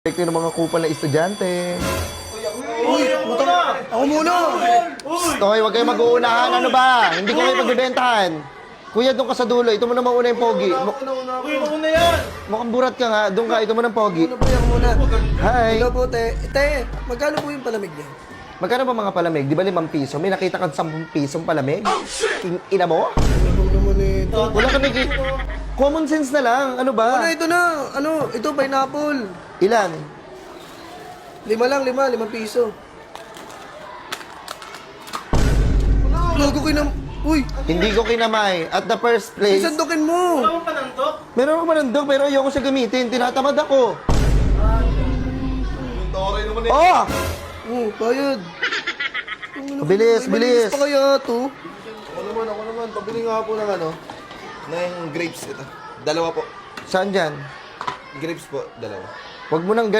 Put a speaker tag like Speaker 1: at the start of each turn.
Speaker 1: Epekto ng mga kupal na estudyante.
Speaker 2: Uy, puta! Ako muna!
Speaker 1: Okay, huwag kayo mag-uunahan. Ano ba? Hindi ko kayo magbibentahan. Kuya, doon ka sa dulo. Ito mo na mauna yung pogi.
Speaker 2: Uy, mauna yan!
Speaker 1: Mukhang burat ka nga. Doon ka. Ito mo ng pogi.
Speaker 2: Ano po yan muna?
Speaker 1: Hi.
Speaker 2: Hello po, te. Te, magkano po yung palamig niya?
Speaker 1: Magkano ba mga palamig? Di ba 5 piso? May nakita ka 10 pisong palamig? Ina mo?
Speaker 2: Ano naman ito?
Speaker 1: Wala ka common sense na lang. Ano ba?
Speaker 2: Ano, ito na. Ano, ito, pineapple.
Speaker 1: Ilan?
Speaker 2: 5 piso. Logo ko na... Uy,
Speaker 1: Hindi ko kinamay. At the first place,
Speaker 2: isandukin mo.
Speaker 1: meron ako manandog pero ayoko siya gamitin. Tinatamad ako. Oh!
Speaker 2: Bayad.
Speaker 1: Bilis,
Speaker 2: May
Speaker 1: bilis.
Speaker 2: malinis pa kaya to?
Speaker 3: Ako naman. Pabili nga po ng ng grapes ito. Dalawa po.
Speaker 1: Saan dyan?
Speaker 3: Grapes po, dalawa.
Speaker 1: Huwag mo nang